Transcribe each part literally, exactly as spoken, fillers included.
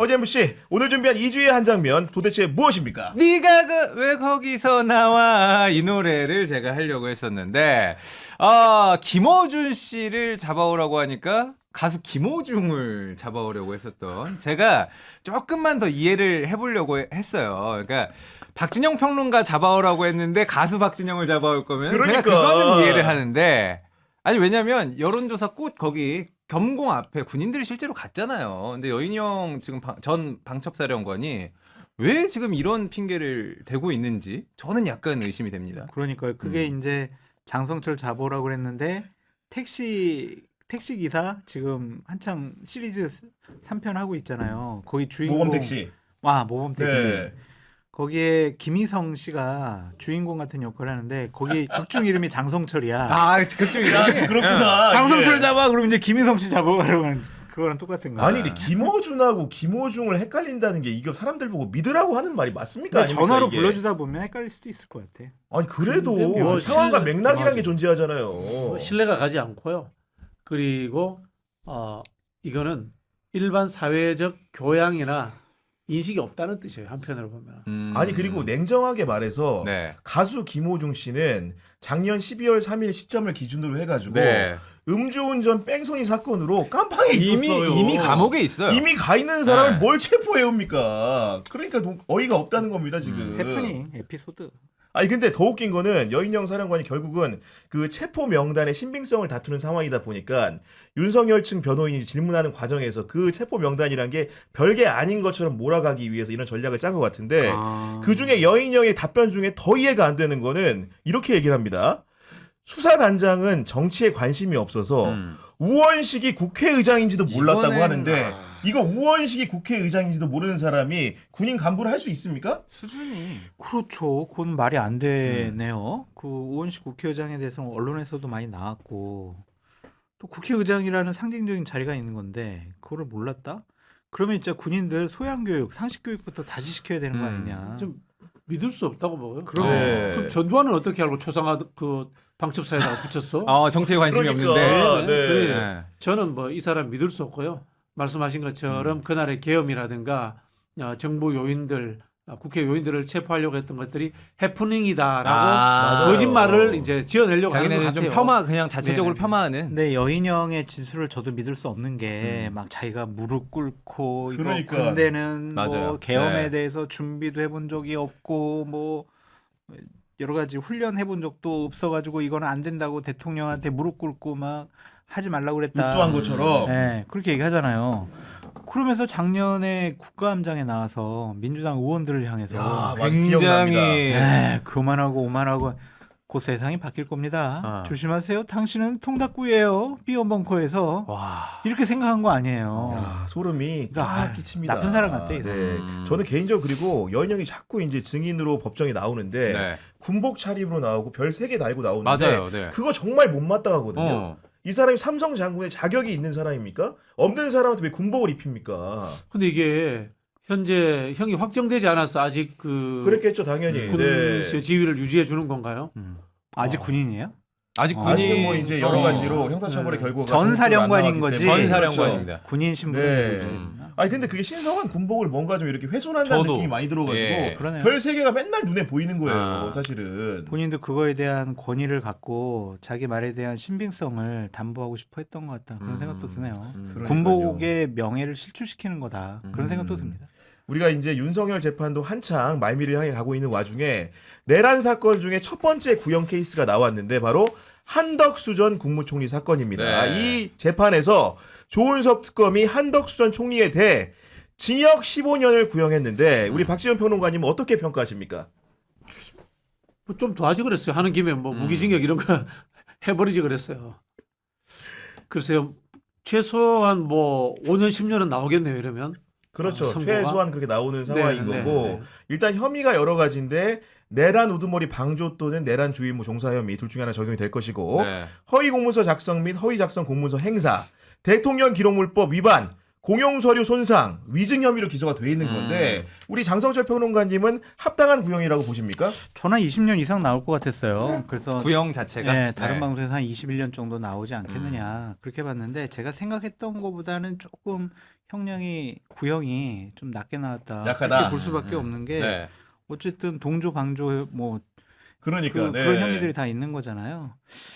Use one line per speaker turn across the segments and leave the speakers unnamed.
아버지 엠씨, 오늘 준비한 이 주의 한 장면 도대체 무엇입니까?
네가 그 왜 거기서 나와 이 노래를 제가 하려고 했었는데 아 김어준 씨를 잡아오라고 하니까 가수 김호중을 잡아오려고 했었던 제가 조금만 더 이해를 해보려고 했어요. 그러니까 박진영 평론가 잡아오라고 했는데 가수 박진영을 잡아올 거면
그러니까.
제가 그거는 이해를 하는데 아니 왜냐면 여론조사 꽃 거기 겸공 앞에 군인들이 실제로 갔잖아요. 근데 여인형 지금 방, 전 방첩사령관이 왜 지금 이런 핑계를 대고 있는지 저는 약간 의심이 됩니다.
그러니까요. 그게
음.
이제 장성철 잡으라고 그랬는데 택시 택시 기사 지금 한창 시리즈 삼 편 하고 있잖아요. 거기 주인공
모범 택시.
와 모범 택시.
네.
거기에 김희성 씨가 주인공 같은 역할을 하는데 거기 극중 이름이 장성철이야.
아 그쪽이라
야, 그렇구나.
장성철
예.
잡아 그러면 이제 김희성 씨 잡아가려고 하는 그거랑 똑같은 거야.
아니 근데 김어준하고 김호중을 헷갈린다는 게 이거 사람들 보고 믿으라고 하는 말이 맞습니까?
근데
아닙니까,
전화로
이게?
불러주다 보면 헷갈릴 수도 있을 것 같아.
아니 그래도
근데 뭐
상황과
실-
맥락이라는 게
맞아.
존재하잖아요.
뭐 신뢰가 가지 않고요. 그리고 어 이거는 일반 사회적 교양이나 인식이 없다는 뜻이에요. 한편으로 보면.
음.
아니 그리고 냉정하게 말해서
네.
가수 김호중 씨는 작년 십이월 삼일 시점을 기준으로 해가지고
네.
음주운전 뺑소니 사건으로 깜빵에
이미
있었어요.
이미 감옥에 있어요.
이미 가 있는 사람을
네.
뭘 체포해 옵니까? 그러니까 노- 어이가 없다는 겁니다 지금.
음.
해프닝 에피소드.
아니 근데 더 웃긴 거는 여인영 사령관이 결국은 그 체포 명단의 신빙성을 다투는 상황이다 보니까 윤석열 측 변호인이 질문하는 과정에서 그 체포 명단이란 게 별게 아닌 것처럼 몰아가기 위해서 이런 전략을 짠 것 같은데
아.
그 중에 여인영의 답변 중에 더 이해가 안 되는 거는 이렇게 얘기를 합니다. 수사단장은 정치에 관심이 없어서
음.
우원식이 국회의장인지도 몰랐다고
이거는-
하는데
아.
이거 우원식이 국회의장인지도 모르는 사람이 군인 간부를 할 수 있습니까?
수준이
그렇죠. 그건 말이 안 되네요. 그 우원식 국회의장에 대해서 언론에서도 많이 나왔고 또 국회의장이라는 상징적인 자리가 있는 건데 그거를 몰랐다? 그러면 진짜 군인들 소양교육, 상식교육부터 다시 시켜야 되는 거
음.
아니냐.
좀 믿을 수 없다고 먹어요.
그럼.
네.
그럼 전두환은 어떻게 알고 초상화 그 방첩사에다가 붙였어?
어, 정치에 관심이
그러니까,
없는데.
네.
그래.
네.
저는 뭐 이 사람 믿을 수 없고요. 말씀하신 것처럼 그날의 계엄이라든가 어, 정부 요인들, 어, 국회 요인들을 체포하려고 했던 것들이 해프닝이다라고
아,
거짓말을 이제 지어내려고 하는 것
자기네는
같아요.
좀 폄하 그냥 자체적으로
네네.
폄하하는.
근데 여인영의 진술을 저도 믿을 수 없는 게 막 자기가 무릎 꿇고 이거
그러니까.
군대는
맞아요.
뭐 계엄에
네.
대해서 준비도 해본 적이 없고 뭐 여러 가지 훈련 해본 적도 없어가지고 이거는 안 된다고 대통령한테 무릎 꿇고 막 하지 말라고 그랬다.
입수한 것처럼.
네, 그렇게 얘기하잖아요. 그러면서 작년에 국가함장에 나와서 민주당 의원들을 향해서
야, 맞-
굉장히
기억납니다.
에 그만하고 오만하고 곧 세상이 바뀔 겁니다.
아.
조심하세요. 당신은 통닭구예요. 비언벙커에서
와.
이렇게 생각한 거 아니에요.
야, 소름이
그러니까,
쫙
아,
끼칩니다.
나쁜 사람 같아, 이
네.
사람.
음.
저는 개인적으로 그리고 여인영이 자꾸 이제 증인으로 법정에 나오는데
네.
군복 차림으로 나오고 별 세 개 달고 나오는데
맞아요. 네.
그거 정말 못마땅하거든요.
어.
이 사람이 삼성 장군의 자격이 있는 사람입니까? 없는 사람한테 왜 군복을 입힙니까?
근데 이게 현재 형이 확정되지 않았어. 아직 그
그랬겠죠, 당연히.
군
네.
지위를 유지해 주는 건가요?
음. 아직
어.
군인이에요?
아직 군인
아직은 뭐 이제 여러
어.
가지로 형사처벌의
네.
결과가
전 사령관인
공식적으로 안
거지.
나왔기 때문에.
전
그렇죠.
사령관입니다.
군인 신분을
네.
유지했나?
아니 근데 그게 신성한 군복을 뭔가 좀 이렇게 훼손한다는
저도.
느낌이 많이 들어가지고
예.
그러네요.
별 세 개가 맨날 눈에 보이는 거예요,
아.
사실은.
본인도 그거에 대한 권위를 갖고 자기 말에 대한 신빙성을 담보하고 싶어 했던 것 같다. 그런
음.
생각도 드네요.
음.
그러니까요.
군복의 명예를 실추시키는 거다. 그런
음.
생각도 듭니다.
우리가 이제 윤석열 재판도 한창 말미를 향해 가고 있는 와중에 내란 사건 중에 첫 번째 구형 케이스가 나왔는데 바로 한덕수 전 국무총리 사건입니다.
네.
이 재판에서 조은석 특검이 한덕수 전 총리에 대해 징역 십오 년을 구형했는데 우리 박지원 평론가님은 어떻게 평가하십니까?
뭐 좀 더 하지 그랬어요. 하는 김에 뭐
음.
무기징역 이런 거 해버리지 그랬어요. 글쎄요. 최소한 뭐 오 년, 십 년은 나오겠네요. 이러면.
그렇죠.
어, 선고가?
최소한 그렇게 나오는 상황인
네, 네,
거고
네.
일단 혐의가 여러 가지인데 내란 우두머리 방조 또는 내란 주의무 종사 혐의 둘 중에 하나 적용이 될 것이고
네.
허위 공문서 작성 및 허위 작성 공문서 행사, 대통령 기록물법 위반, 공용 서류 손상, 위증 혐의로 기소가 돼 있는 건데 우리 장성철 평론가님은 합당한 구형이라고 보십니까?
저는 이십 년 이상 나올 것 같았어요. 그래서
구형 자체가
네, 다른
네.
방송에서 한 이십일 년 정도 나오지 않겠느냐
음.
그렇게 봤는데 제가 생각했던 것보다는 조금 형량이 구형이 좀 낮게 나왔다.
약하다.
그렇게 볼 수밖에
음.
없는 게
네.
어쨌든 동조 방조 뭐
그러니까
그,
네.
그런 혐의들이 다 있는 거잖아요.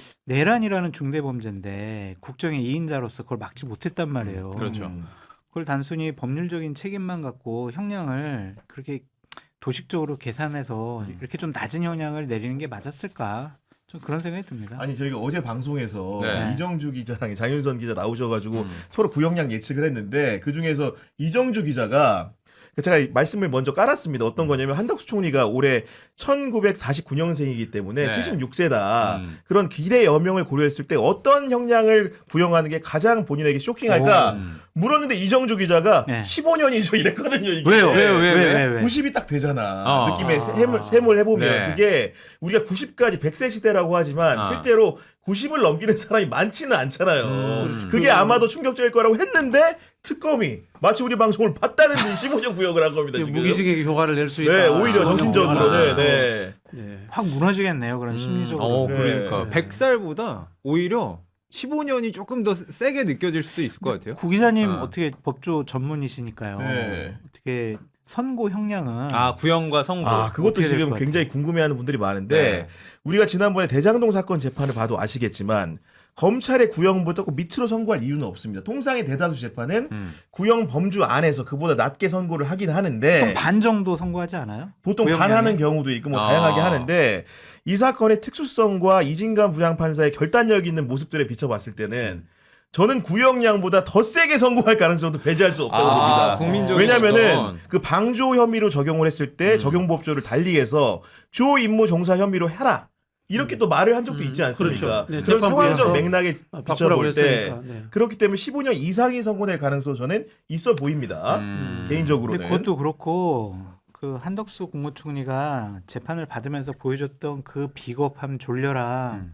내란이라는 중대범죄인데 국정의 이인자로서 그걸 막지 못했단 말이에요.
그렇죠.
음.
그걸 단순히 법률적인 책임만 갖고 형량을 그렇게 도식적으로 계산해서
음.
이렇게 좀 낮은 형량을 내리는 게 맞았을까? 좀 그런 생각이 듭니다.
아니 저희가 어제 방송에서
네.
이정주 기자랑 장윤선 기자 나오셔가지고
음.
서로 구형량 예측을 했는데 그 중에서 이정주 기자가 제가 말씀을 먼저 깔았습니다. 어떤 거냐면 한덕수 총리가 올해 천구백사십구 년생이기 때문에
네.
칠십육 세다.
음.
그런 기대 여명을 고려했을 때 어떤 형량을 구형하는 게 가장 본인에게 쇼킹할까
음.
물었는데 이정주 기자가
네.
십오 년이죠 이랬거든요. 이게.
왜요?
왜요? 왜, 왜?
왜, 왜?
구십이 딱 되잖아.
어.
느낌의
아.
셈을, 셈을 해보면
네.
그게 우리가 구십까지 백 세 시대라고 하지만
아.
실제로 구십을 넘기는 사람이 많지는 않잖아요.
음.
그게 아마도 충격적일 거라고 했는데 특검이 마치 우리 방송을 봤다는 듯이 십오 년 구형을 한 겁니다. 지금.
무기징역의 효과를 낼 수 있다.
네, 오히려
아,
정신적으로. 네,
효과를.
네.
네.
확 무너지겠네요. 그런 심리적으로.
어,
네.
그러니까
네.
백 살보다 오히려 십오 년이 조금 더 세게 느껴질 수도 있을 것 같아요.
구 기자님
어.
어떻게 법조 전문이시니까요.
네.
어떻게 선고 형량은
아, 구형과 선고.
아, 그것도
어떻게 될
지금
것 같아요?
굉장히 궁금해하는 분들이 많은데
네.
우리가 지난번에 대장동 사건 재판을 봐도 아시겠지만 검찰의 구형보다 꼭 밑으로 선고할 이유는 없습니다. 통상의 대다수 재판은
음.
구형 범주 안에서 그보다 낮게 선고를 하긴 하는데
보통 반 정도 선고하지 않아요?
보통
구형량이?
반하는 경우도 있고 뭐
아.
다양하게 하는데 이 사건의 특수성과 이진감 부장판사의 결단력 있는 모습들에 비춰봤을 때는 저는 구형량보다 더 세게 선고할 가능성도 배제할 수 없다고
아,
봅니다.
국민적인
왜냐면은
어떤-
그 방조 혐의로 적용을 했을 때
음.
적용법조를 달리해서 주 임무 종사 혐의로 해라. 이렇게 또 말을 한 적도
음,
있지 않습니까?
그렇죠. 네,
그런
재판부에서
상황적 맥락에
아, 바꾸라고
비춰볼 때
했으니까. 네.
그렇기 때문에 십오 년 이상이 선고될 가능성 저는 있어 보입니다.
음.
개인적으로는.
근데 그것도 그렇고 그 한덕수 국무총리가 재판을 받으면서 보여줬던 그 비겁함 졸려람
음.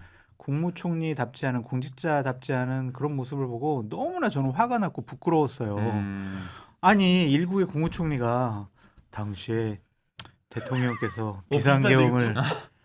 국무총리답지 않은 공직자답지 않은 그런 모습을 보고 너무나 저는 화가 났고 부끄러웠어요.
음.
아니 일국의 국무총리가 당시에 대통령께서
어,
비상계엄을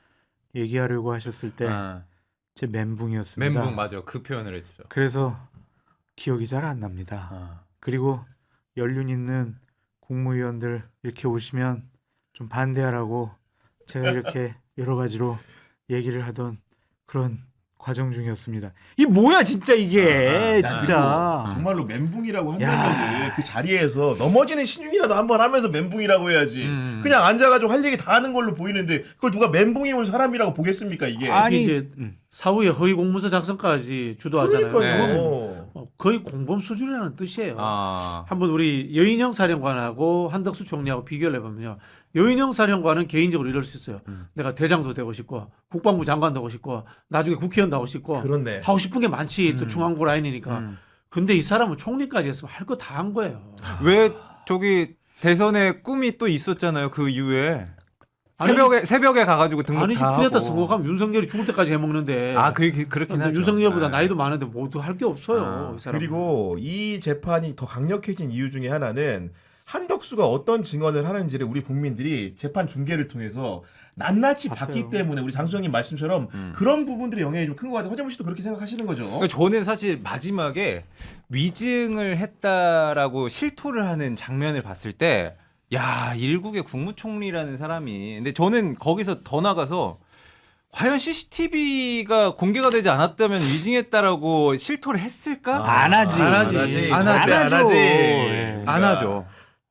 얘기하려고 하셨을 때 제
아,
멘붕이었습니다.
멘붕 맞아. 그 표현을 했죠.
그래서 기억이 잘 안 납니다.
아.
그리고 연륜 있는 국무위원들 이렇게 오시면 좀 반대하라고 제가 이렇게 여러 가지로 얘기를 하던 그런 과정 중이었습니다. 이 뭐야 진짜 이게
야,
진짜.
그리고 정말로 멘붕이라고
야.
한다면 그 자리에서 넘어지는 신용이라도 한번 하면서 멘붕이라고 해야지.
음.
그냥 앉아가지고 할 얘기 다 하는 걸로 보이는데 그걸 누가 멘붕이 온 사람이라고 보겠습니까 이게?
아니
이제
음.
사후에 허위 공문서 작성까지 주도하잖아요.
그러니까요.
네.
어, 거의 공범 수준이라는 뜻이에요.
아.
한번 우리 여인영 사령관하고 한덕수 총리하고 비교를 해보면요. 여인영 사령관은 개인적으로 이럴 수 있어요.
음.
내가 대장도 되고 싶고 국방부 장관도 하고 싶고 나중에 국회의원도 하고 싶고
그렇네.
하고 싶은 게 많지. 또
음.
중앙고 라인이니까.
음.
근데 이 사람은 총리까지 했으면 할 거 다 한 거예요.
왜 저기 대선에 꿈이 또 있었잖아요. 그 이후에
아니,
새벽에 새벽에 가가지고 등록
아니지
다
쿠데타
하고.
선거하면 윤석열이 죽을 때까지 해먹는데.
아, 그 그렇긴
근데
하죠.
윤석열보다
네.
나이도 많은데 모두 할 게 없어요.
아,
이 사람.
그리고 이 재판이 더 강력해진 이유 중에 하나는 한덕수가 어떤 증언을 하는지를 우리 국민들이 재판 중계를 통해서 낱낱이
봤어요.
봤기 때문에 우리 장수영님 말씀처럼
음.
그런 부분들의 영향이 좀 큰 것 같아요. 허재문 씨도 그렇게 생각하시는 거죠?
그러니까 저는 사실 마지막에 위증을 했다라고 실토를 하는 장면을 봤을 때, 야, 일국의 국무총리라는 사람이. 근데 저는 거기서 더 나가서 과연 씨씨티비가 공개가 되지 않았다면 위증했다라고 실토를 했을까?
안 하지.
안 하지.
안
절대 안
하죠.
하지.
예.
안 하죠.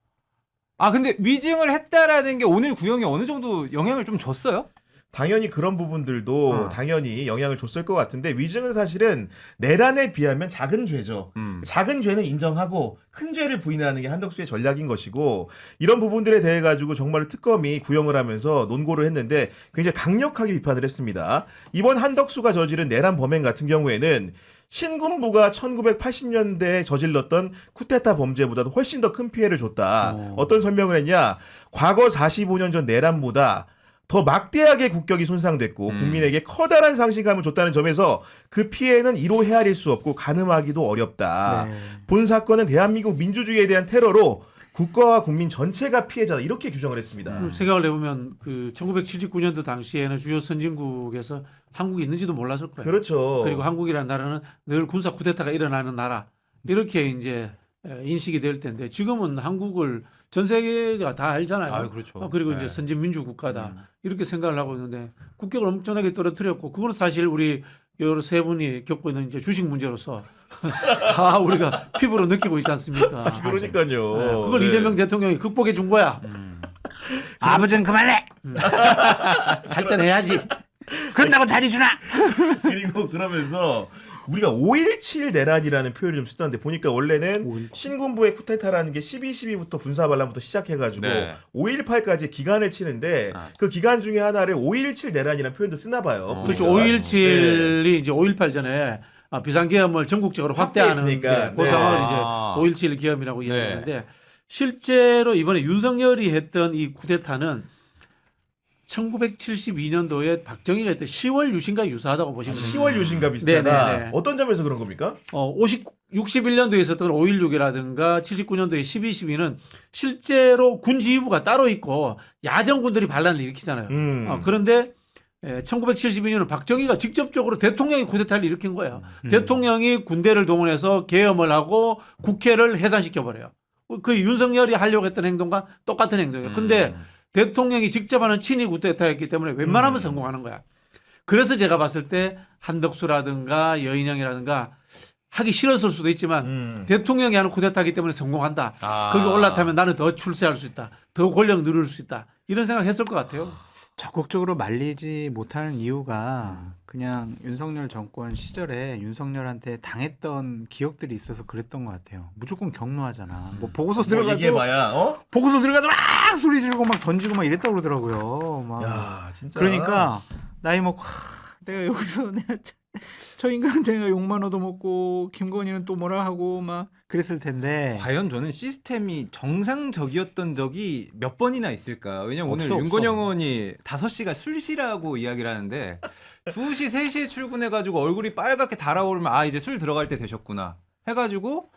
아, 근데 위증을 했다라는 게 오늘 구형에 어느 정도 영향을 좀 줬어요?
당연히 그런 부분들도
어.
당연히 영향을 줬을 것 같은데 위증은 사실은 내란에 비하면 작은 죄죠.
음.
작은 죄는 인정하고 큰 죄를 부인하는 게 한덕수의 전략인 것이고 이런 부분들에 대해 가지고 정말로 특검이 구형을 하면서 논고를 했는데 굉장히 강력하게 비판을 했습니다. 이번 한덕수가 저지른 내란 범행 같은 경우에는 신군부가 천구백팔십 년대에 저질렀던 쿠데타 범죄보다도 훨씬 더 큰 피해를 줬다.
어.
어떤 설명을 했냐? 과거 사십오 년 전 내란보다 더 막대하게 국격이 손상됐고
음.
국민에게 커다란 상실감을 줬다는 점에서 그 피해는 이로 헤아릴 수 없고 가늠하기도 어렵다.
네.
본 사건은 대한민국 민주주의에 대한 테러로 국가와 국민 전체가 피해자다 이렇게 규정을 했습니다.
음, 생각을 해보면 그 천구백칠십구 년도 당시에는 주요 선진국에서 한국이 있는지도 몰랐을 거예요.
그렇죠.
그리고 한국이라는 나라는 늘 군사 쿠데타가 일어나는 나라 이렇게 이제 인식이 될 텐데 지금은 한국을 전 세계가 다 알잖아요.
아유, 그렇죠.
어, 그리고
네.
이제 선진 민주 국가다
음.
이렇게 생각을 하고 있는데 국격을 엄청나게 떨어뜨렸고 그건 사실 우리 여러 세 분이 겪고 있는 이제 주식 문제로서 다 우리가 피부로 느끼고 있지 않습니까?
그러니까요.
네, 그걸
네.
이재명 대통령이 극복해 준 거야.
아버지는 그만해.
할 땐 해야지.
그런다고 자리 주나?
그리고 그러면서 우리가 오일칠 내란이라는 표현을 좀 쓰던데 보니까 원래는 신군부의 쿠데타라는 게 십이 십이부터 군사 반란부터 시작해가지고
네.
오일팔까지 기간을 치는데
아.
그 기간 중에 하나를 오일칠 내란이라는 표현도 쓰나 봐요.
어.
그렇죠.
보니까.
오일칠이 이제 오일팔 전에 아, 비상계엄을 전국적으로 확대하는
확대했으니까.
게 그
네.
상황을
아.
이제 오일칠 기엄이라고 이야기하는데 실제로 이번에 윤석열이 했던 이 쿠데타는 천구백칠십이 년도에 박정희가 했던 시월 유신과 유사하다고 보시면 됩니다.
시월 유신과 비슷하다.
네네네.
어떤 점에서 그런 겁니까?
어, 오십, 육십일 년도에 있었던 오일육이라든가 칠십구 년도에 십이 십이는 실제로 군 지휘부가 따로 있고 야전군들이 반란을 일으키잖아요.
음.
어, 그런데 에, 천구백칠십이 년은 박정희가 직접적으로 대통령이 쿠데타를 일으킨 거예요.
음.
대통령이 군대를 동원해서 계엄을 하고 국회를 해산시켜버려요. 그 윤석열이 하려고 했던 행동과 똑같은 행동이에요. 근데
음.
대통령이 직접 하는 친위 쿠데타였기 때문에 웬만하면
음.
성공하는 거야. 그래서 제가 봤을 때 한덕수라든가 여인영이라든가 하기 싫었을 수도 있지만
음.
대통령이 하는 쿠데타이기 때문에 성공한다.
아.
거기 올라타면 나는 더 출세할 수 있다. 더 권력 누릴 수 있다. 이런 생각했을 것 같아요.
적극적으로 말리지 못하는 이유가 그냥 윤석열 정권 시절에 윤석열한테 당했던 기억들이 있어서 그랬던 것 같아요. 무조건 경로하잖아. 뭐 보고서
뭐
들어가도
얘기해봐야 어?
보고서 들어가도 막 소리 지르고 막 던지고 막 이랬다고 그러더라고요. 막.
야 진짜.
그러니까 나이 먹고 하, 내가 여기서 내가 저, 저 인간한테 내가 욕만 얻어먹고 김건희는 또 뭐라 하고 막 그랬을 텐데.
과연 저는 시스템이 정상적이었던 적이 몇 번이나 있을까? 왜냐면 오늘
없어, 없어.
윤건영 의원이 다섯 시가 술시라고 이야기를 하는데 두 시, 세 시에 출근해가지고 얼굴이 빨갛게 달아오르면 아 이제 술 들어갈 때 되셨구나 해가지고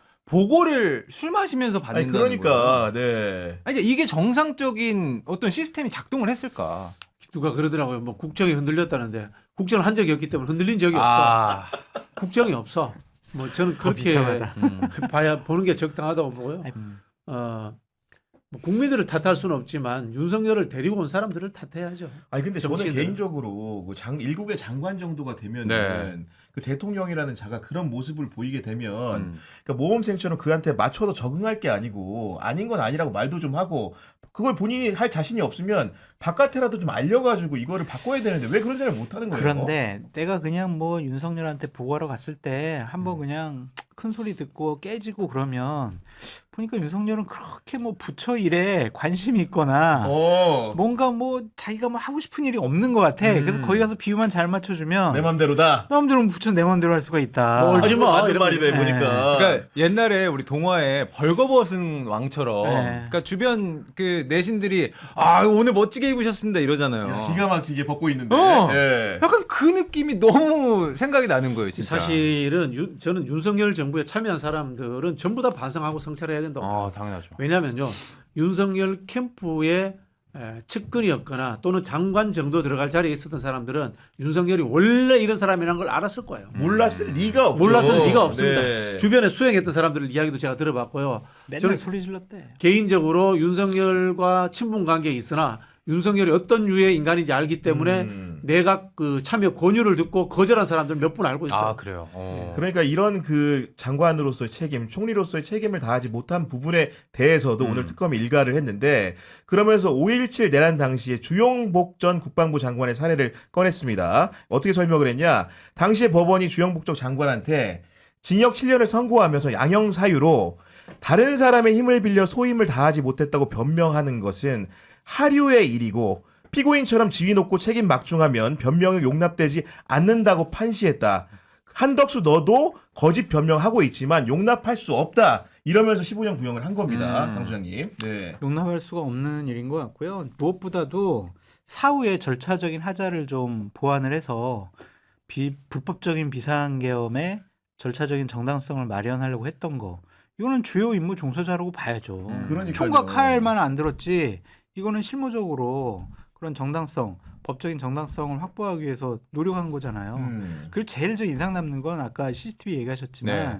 보고를 술 마시면서
아니
받는다는
그러니까
거예요.
네.
아니, 이게 이게 정상적인 어떤 시스템이 작동을 했을까?
누가 그러더라고요. 뭐 국정이 흔들렸다는데 국정을 한 적이 없기 때문에 흔들린 적이 없어.
아,
국정이 없어. 뭐 저는 그렇게
비참하다.
음.
봐야 보는 게 적당하다고 보고요.
음.
어, 뭐 국민들을 탓할 수는 없지만 윤석열을 데리고 온 사람들을 탓해야죠.
아니 근데 저는
정치인들은.
개인적으로 그 장, 일국의 장관 정도가 되면은
네.
그 대통령이라는 자가 그런 모습을 보이게 되면
음.
그러니까 모범생처럼 그한테 맞춰서 적응할 게 아니고 아닌 건 아니라고 말도 좀 하고 그걸 본인이 할 자신이 없으면 바깥에라도 좀 알려가지고 이거를 바꿔야 되는데 왜 그런 생각을 못 하는 거예요?
그런데 내가 그냥 뭐 윤석열한테 보고하러 갔을 때
음.
한번 그냥 큰 소리 듣고 깨지고 그러면 보니까 윤석열은 그렇게 뭐 부처 일에 관심이 있거나
어,
뭔가 뭐 자기가 뭐 하고 싶은 일이 없는 것 같아.
음.
그래서 거기 가서 비유만 잘 맞춰주면
내 맘대로다.
사람들은 부처 내 맘대로 할 수가 있다.
뭘
아니,
뭐,
맞는
이런
말이네
거.
보니까.
그러니까 옛날에 우리 동화에 벌거벗은 왕처럼
네.
그러니까 주변 그 내신들이 아 오늘 멋지게 입으셨습니다 이러잖아요.
야, 기가 막히게 벗고 있는데.
어.
예.
약간 그 느낌이 너무 생각이 나는 거예요, 진짜.
사실은 유, 저는 윤석열 정부에 참여한 사람들은 전부 다 반성하고 성찰해야 된다고.
아 당연하죠.
왜냐하면요 윤석열 캠프의 에, 측근이었거나 또는 장관 정도 들어갈 자리에 있었던 사람들은 윤석열이 원래 이런 사람이라는 걸 알았을 거예요.
몰랐을 리가 없죠.
몰랐을 리가 없습니다.
네.
주변에 수행했던 사람들 이야기도 제가 들어봤고요.
맨날
저는
소리 질렀대.
개인적으로 윤석열과 친분 관계에 있으나 윤석열이 어떤 유의 인간인지 알기 때문에
음.
내각 그 참여 권유를 듣고 거절한 사람들 몇 분 알고 있어요.
아 그래요. 어.
그러니까 이런 그 장관으로서의 책임, 총리로서의 책임을 다하지 못한 부분에 대해서도
음.
오늘 특검이 일가를 했는데 그러면서 오일칠 내란 당시에 주영복 전 국방부 장관의 사례를 꺼냈습니다. 어떻게 설명을 했냐? 당시에 법원이 주영복 전 장관한테 징역 칠 년을 선고하면서 양형 사유로 다른 사람의 힘을 빌려 소임을 다하지 못했다고 변명하는 것은 하류의 일이고 피고인처럼 지위 높고 책임 막중하면 변명이 용납되지 않는다고 판시했다. 한덕수 너도 거짓 변명하고 있지만 용납할 수 없다. 이러면서 십오 년 구형을 한 겁니다.
음.
강 소장님. 네.
용납할 수가 없는 일인 것 같고요. 무엇보다도 사후에 절차적인 하자를 좀 보완을 해서 비, 불법적인 비상계엄의 절차적인 정당성을 마련하려고 했던 거. 이거는 주요 임무 종사자라고 봐야죠.
음.
그러니까요.
총각할만 안 들었지. 이거는 실무적으로 그런 정당성, 법적인 정당성을 확보하기 위해서 노력한 거잖아요.
음.
그리고 제일 저 인상 남는 건 아까 씨씨티비 얘기하셨지만
네.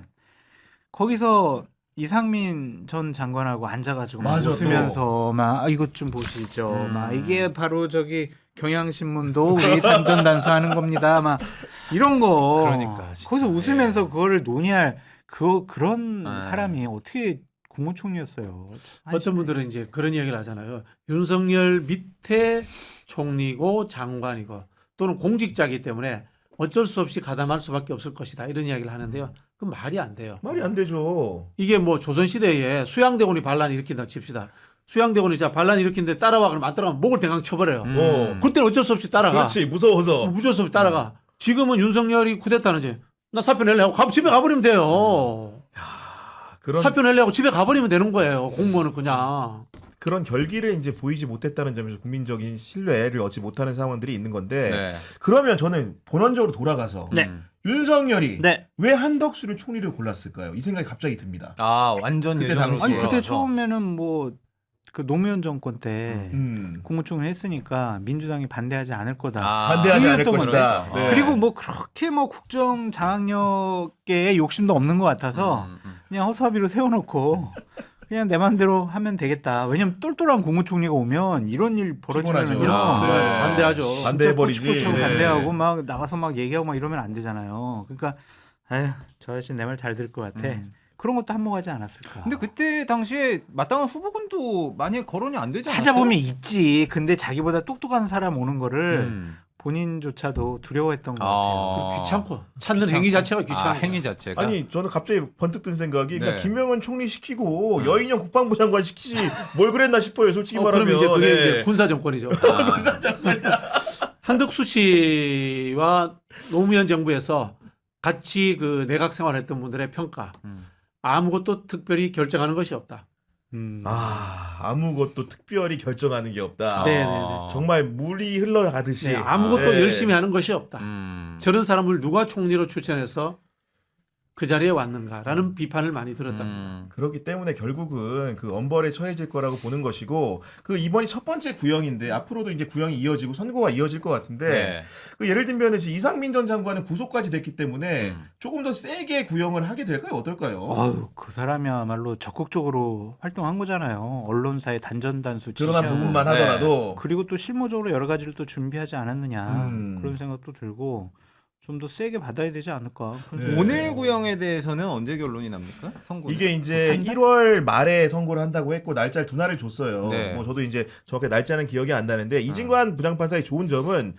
거기서 이상민 전 장관하고 앉아가지고 막
맞아,
웃으면서 막 아, 이것 좀 보시죠.
음.
막 이게 바로 저기 경향신문도 우리 단전단수하는 겁니다. 막 이런 거.
그러니까, 진짜.
거기서 웃으면서
예.
그거를 논의할 그 그런
아.
사람이 어떻게 국무총리였어요.
어떤 분들은 이제 그런 이야기를 하잖아요. 윤석열 밑에 총리고 장관이고 또는 공직자이기 때문에 어쩔 수 없이 가담할 수밖에 없을 것이다. 이런 이야기를 하는데요. 그건 말이 안 돼요.
말이 안 되죠.
이게 뭐 조선시대에 수양대군이 반란을 일으킨다 칩시다. 수양대군이 자 반란 일으키는데 따라와 그러면 안 따라가면 목을 대강 쳐버려요.
음.
어.
그때는 어쩔 수 없이 따라가.
그렇지 무서워서.
뭐 무조건 없이 따라가. 지금은 윤석열이 쿠데타는 이제 나 사표 낼래 하고 가- 집에 가버리면 돼요.
그런
사표 낼래 하고 집에 가버리면 되는 거예요. 공무원은 그냥.
그런 결기를 이제 보이지 못했다는 점에서 국민적인 신뢰를 얻지 못하는 상황들이 있는 건데
네.
그러면 저는 본원적으로 돌아가서
네.
음.
윤석열이
네.
왜 한덕수를 총리를 골랐을까요? 이 생각이 갑자기 듭니다.
아 완전
그때
예전으로
당시에.
아니 그때
돌아가서.
처음에는 뭐 그 노무현 정권 때
음.
국무총리 했으니까 민주당이 반대하지 않을 거다.
아,
반대하지 않을
이랬던
것이다.
거죠.
네.
그리고 뭐 그렇게 뭐 국정 장악력에 욕심도 없는 것 같아서
음, 음.
그냥 허수아비로 세워놓고 그냥 내 맘대로 하면 되겠다. 왜냐면 똘똘한 국무총리가 오면 이런 일 벌어지면
피곤하죠.
그렇죠.
아,
그래,
네.
반대하죠.
진짜
반대해버리지.
꼬치꼬치
네.
반대하고 막 나가서 막 얘기하고 막 이러면 안 되잖아요. 그러니까 에휴, 저 아저씨 내 말 잘 들을 것 같아.
음.
그런 것도 한몫하지 않았을까.
근데 그때 당시에 마땅한 후보군도 많이 거론이 안 되지 않았어요?
찾아보면 있지. 근데 자기보다 똑똑한 사람 오는 거를
음.
본인조차도 두려워했던 것
아.
같아요.
그 귀찮고 찾는
귀찮고.
행위 자체가 귀찮아.
아, 행위 자체가.
아니 저는 갑자기 번뜩 든 생각이 그러니까
네.
김명은 총리 시키고
음.
여인영 국방부 장관 시키지 뭘 그랬나 싶어요. 솔직히
어,
말하면.
그럼 이제 그게
네.
이제 군사 정권이죠.
아,
한덕수 씨와 노무현 정부에서 같이 그 내각 생활했던 분들의 평가.
음.
아무것도 특별히 결정하는 것이 없다.
음.
아 아무것도 특별히 결정하는 게 없다.
네, 네,
아.
정말 물이 흘러가듯이.
네, 아무것도
네.
열심히 하는 것이 없다.
음.
저런 사람을 누가 총리로 추천해서 그 자리에 왔는가라는 비판을 많이 들었답니다.
음.
그렇기 때문에 결국은 그 엄벌에 처해질 거라고 보는 것이고 그 이번이 첫 번째 구형인데 앞으로도 이제 구형이 이어지고 선고가 이어질 것 같은데
네.
그 예를 들면 이상민 전 장관은 구속까지 됐기 때문에
음.
조금 더 세게 구형을 하게 될까요? 어떨까요?
아유, 그 사람이야말로 적극적으로 활동한 거잖아요. 언론사의 단전단수
드러난
지시하고.
부분만
네.
하더라도
그리고 또 실무적으로 여러 가지를 또 준비하지 않았느냐
음.
그런 생각도 들고 좀 더 세게 받아야 되지 않을까.
네.
오늘 구형에 대해서는 언제 결론이 납니까? 선고.
이게 이제 일월 말에 선고를 한다고 했고 날짜를 두 날을 줬어요.
네.
뭐 저도 이제 정확히 날짜는 기억이 안 나는데 이진관 부장판사의 좋은 점은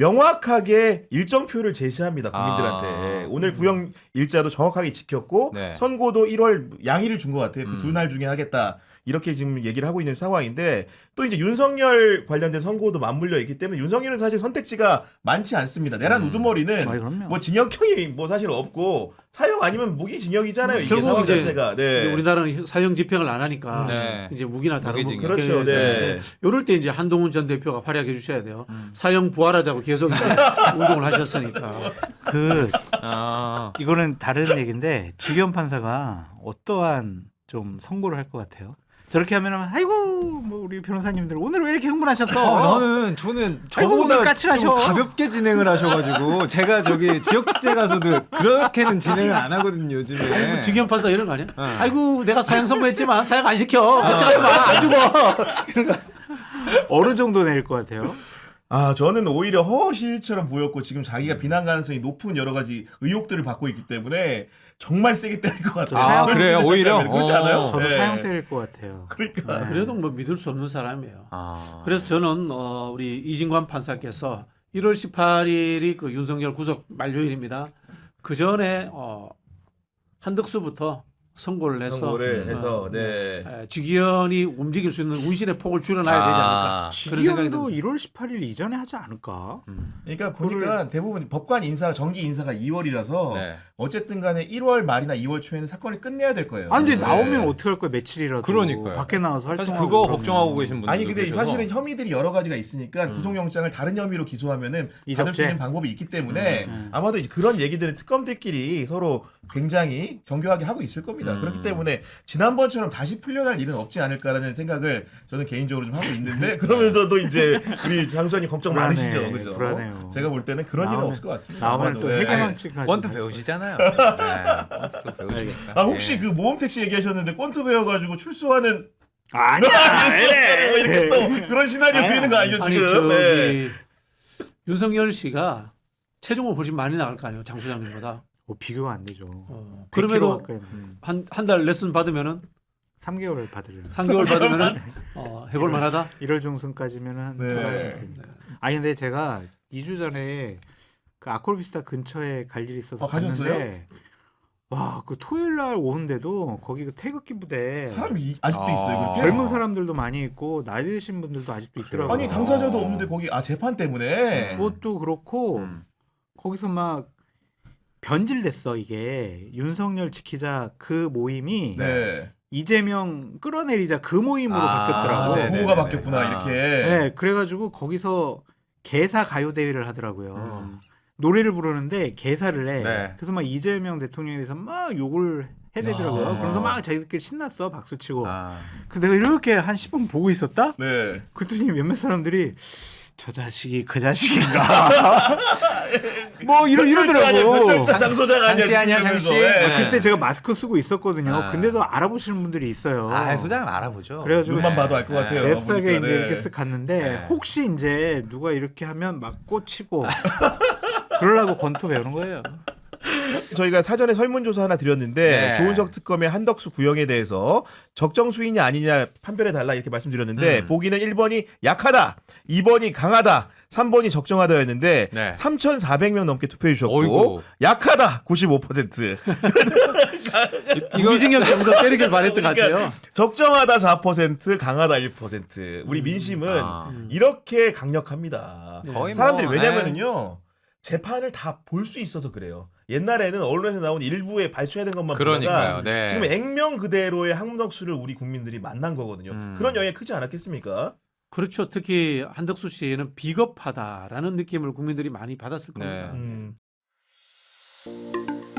명확하게 일정표를 제시합니다 국민들한테.
아.
오늘 구형 일자도 정확하게 지켰고
네.
선고도 일월 양일을 준 것 같아요. 그
음.
두 날 중에 하겠다. 이렇게 지금 얘기를 하고 있는 상황인데 또 이제 윤석열 관련된 선고도 맞물려 있기 때문에 윤석열은 사실 선택지가 많지 않습니다. 내란
음.
우두머리는
아이, 그럼요.
뭐 징역형이 뭐 사실 없고 사형 아니면 무기징역이잖아요. 이게
결국
상황
이제
자체가.
이제
네.
우리나라는 사형 집행을 안 하니까
네.
이제 무기나 다른 거
무기징역.
그렇죠. 네.
이럴 때 이제 한동훈 전 대표가 활약해 주셔야 돼요.
음.
사형 부활하자고 계속 이제 운동을 하셨으니까.
그
아.
이거는 다른 얘기인데 주기현 판사가 어떠한 좀 선고를 할 것 같아요. 저렇게 하면은 아이고 뭐 우리 변호사님들 오늘 왜 이렇게 흥분하셨어?
어, 나는 저는
아이고, 오늘
저보다
까칠하셔.
좀 가볍게 진행을 하셔가지고 제가 저기 지역 축제 가서도 그렇게는 진행을 안 하거든요 요즘에.
주기현 판사 이런 거 아니야?
어.
아이고 내가 사형 선고했지만 사형 안 시켜. 걱정하지 마. 안 죽어.
어느 정도 낼 것 같아요?
아, 저는 오히려 허실처럼 보였고 지금 자기가 비난 가능성이 높은 여러 가지 의혹들을 받고 있기 때문에 정말 세게 때릴 것 같아요.
아,
솔직히
그래요? 오히려?
생각하면. 그렇지 않아요?
어,
저도
네.
사형 때릴 것 같아요.
그러니까.
네.
그래도 뭐 믿을 수 없는 사람이에요.
아.
그래서 저는 어, 우리 이진관 판사께서 일월 십팔일이 그 윤석열 구속 만료일입니다. 그 전에 어, 한덕수부터 선고를 해서
선고를
음.
해서
어,
네.
에, 직위원이 움직일 수 있는 운신의 폭을 줄여놔야 되지 않을까.
아.
그런 생각이
직위원도
듭니다.
일월 십팔일 이전에 하지 않을까?
음.
그러니까 보니까 대부분 법관 인사 정기 인사가 이월이라서
네.
어쨌든 간에 일월 말이나 이월 초에는 사건을 끝내야 될 거예요.
아니 근데
네.
나오면 어떻게 할 거야 며칠이라도
그러니까요.
밖에 나와서
사실
활동하고
그거
그러면.
걱정하고 계신 분들
아니 근데 사실은 혐의들이 여러 가지가 있으니까
음.
구속영장을 다른 혐의로 기소하면은 받을
이적죄?
수 있는 방법이 있기 때문에
음.
아마도 이제 그런 얘기들은 특검들끼리 서로 굉장히 정교하게 하고 있을 겁니다.
음.
그렇기 때문에 지난번처럼 다시 풀려날 일은 없지 않을까라는 생각을 저는 개인적으로 좀 하고 있는데 그러면서도 이제 우리 장수님 걱정
불안해,
많으시죠, 그죠?
불안해요.
제가 볼 때는 그런 일은
나오면-
없을 것 같습니다.
나오면
아마도.
또
네.
해계망측하지.
권투 배우시잖아요. 네. 권투 또 배우시니까.
아 혹시
예.
그 모험 택시 얘기하셨는데 권투 배워가지고 출소하는
아니야.
뭐 이렇게 또 그런 시나리오
아니야.
그리는 거 아니죠
아니
지금?
저기
네.
윤석열 씨가 체중을 훨씬 많이 나갈 거 아니에요, 장 소장님보다.
뭐 비교가 안 되죠.
어,
백 킬로
그럼에도
가까이
한 한 달 레슨 받으면은
삼 개월을 받으려.
삼 개월 받으면은 어, 해볼 만하다.
일월 중순까지면은 한
네.
두 달은 되니까. 아니 근데 제가 이 주 전에 그 아콜비스타 근처에 갈 일이 있어서
아, 가셨어요?
갔는데 와, 그 토요일 날 오는데도 거기 그 태극기 부대
사람이 이- 아직도
아.
있어요 그렇게?
젊은 사람들도 많이 있고 나이 드신 분들도 아직도 있더라고요.
아니 당사자도 없는데 거기 아 재판 때문에
그것도 그렇고
음.
거기서 막 변질됐어 이게 윤석열 지키자 그 모임이
네.
이재명 끌어내리자 그 모임으로
아,
바뀌었더라고.
아,
네네네네.
구호가 바뀌었구나
아.
이렇게.
네, 그래가지고 거기서 개사 가요 대회를 하더라고요.
음.
노래를 부르는데 개사를 해.
네.
그래서 막 이재명 대통령에 대해서 막 욕을 해대더라고요.
야.
그러면서 막 자기들끼리 신났어, 박수 치고.
아.
그 내가 이렇게 한 십 분 보고 있었다.
네.
그랬더니 몇몇 사람들이 저 자식이 그 자식인가. 뭐 이러, 이러더라고.
변절자 장소장 아니야.
장씨 아니야,
지금
장씨.
그러면서. 예.
네.
그때 제가 마스크 쓰고 있었거든요.
아.
근데도 알아보시는 분들이 있어요.
아, 소장님 알아보죠.
그래가지고
눈만 봐도 알 것 같아요.
잽싸게
보니까,
이제
네.
이렇게 쓱 갔는데
네.
혹시 이제 누가 이렇게 하면 막 꽂히고 그러려고 권투 배우는 거예요.
저희가 사전에 설문조사 하나 드렸는데
네.
조은석 특검의 한덕수 구형에 대해서 적정 수위냐 아니냐 판별해 달라 이렇게 말씀드렸는데
음.
보기는 일 번이 약하다, 이 번이 강하다, 삼 번이 적정하다였는데
네.
삼천사백 명 넘게 투표해 주셨고
어이구.
약하다 구십오 퍼센트,
무기징역 정도 때리길 바랬던 것 같아요.
적정하다 사 퍼센트, 강하다 일 퍼센트. 우리 민심은
아.
이렇게 강력합니다.
네.
거의
사람들이
뭐,
왜냐면은요 재판을 다 볼 수 있어서 그래요. 옛날에는 언론에서 나온 일부에 발췌된 것만
그러니까요.
보다가
네.
지금 액면 그대로의 한덕수를 우리 국민들이 만난 거거든요.
음.
그런 영향이 크지 않았겠습니까?
그렇죠. 특히 한덕수 씨는 비겁하다라는 느낌을 국민들이 많이 받았을 겁니다.
네.
음.